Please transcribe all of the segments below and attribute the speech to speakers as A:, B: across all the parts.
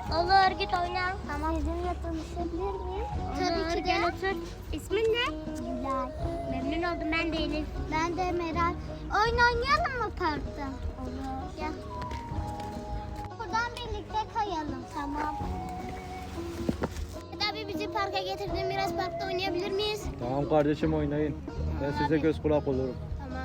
A: Olur git oyna. Tamam. Sizinle tanışabilir miyim? Tabii ki de. Gel otur. İsmin ne? Gülay. Memnun oldum, ben de Elif. Ben de Meral. Oyun oynayalım mı parkta? Olur. Gel. Buradan birlikte kayalım. Tamam. Abi bizi parka getirdin, biraz parkta oynayabilir miyiz?
B: Tamam kardeşim oynayın. Ben size
A: abi.
B: göz kulak olurum.
A: Tamam.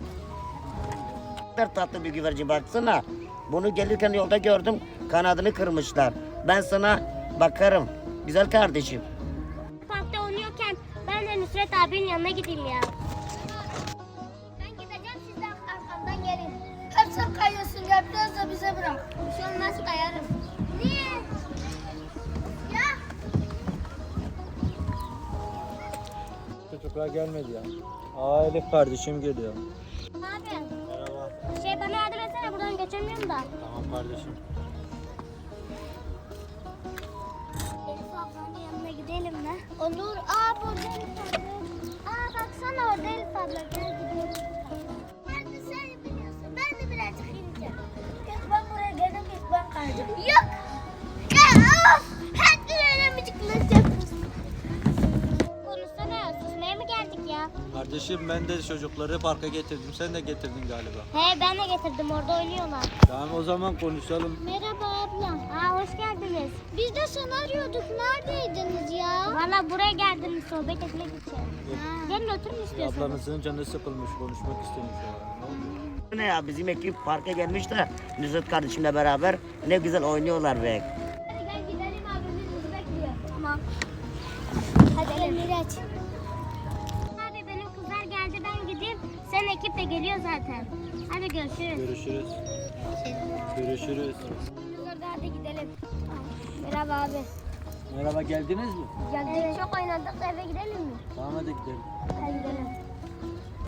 C: Ne kadar tatlı bir güvercin baksana. Bunu gelirken yolda gördüm. Kanadını kırmışlar. Ben sana bakarım. Güzel kardeşim.
A: Parkta oynuyorken ben de Nusret abinin yanına gideyim ya. Ben gideceğim, siz de arkamdan gelin. Hep sen kayıyorsun ya, biraz da bize bırak. Bir şey olmaz, kayarım. Niye? Ya.
B: Çocuklar gelmedi ya. Aa Elif kardeşim geliyor.
A: Abi.
B: Merhaba.
A: Bana yardım etsene, buradan geçemiyorum da.
B: Tamam kardeşim.
A: Elif ablanın yanına gidelim mi? Olur. Burada Elif abla. Baksana orada Elif abla. Gel gidelim. Ben de sen biliyorsun. Ben de birazcık ineceğim. Yok, ben buraya geldim, ilk ben kayacağım. Yok. Ya of. Her gün öyle mıcıklayacaksın. Konuşsana. Susmaya mı geldik ya?
B: Kardeşim ben de çocukları parka getirdim. Sen de getirdin galiba.
A: He, ben de getirdim. Orada oynuyorlar.
B: Tamam o zaman konuşalım.
A: Merhaba abla. Hoş geldiniz. Biz de seni arıyorduk. Neredeydiniz ya? Valla buraya geldiniz sohbet etmek için. Gelin oturun istiyorsanız.
B: Ablanızın canı sıkılmış, konuşmak istemiş. Ne oldu?
C: Ne ya, bizim ekip parka gelmiş de Nusret kardeşimle beraber ne güzel oynuyorlar be.
A: Hadi gel gidelim, abimiz bizi bekliyor. Tamam. Hadi gel Miraç. Abi benim kızlar geldi, ben gideyim. Sen ekip de geliyor zaten. Hadi görüşürüz.
B: Görüşürüz. Görüşürüz.
A: Kızlar hadi gidelim. Merhaba abi.
B: Merhaba, geldiniz mi?
A: Geldik, çok oynadık, eve gidelim mi?
B: Tamam hadi gidelim.
A: Hadi gidelim.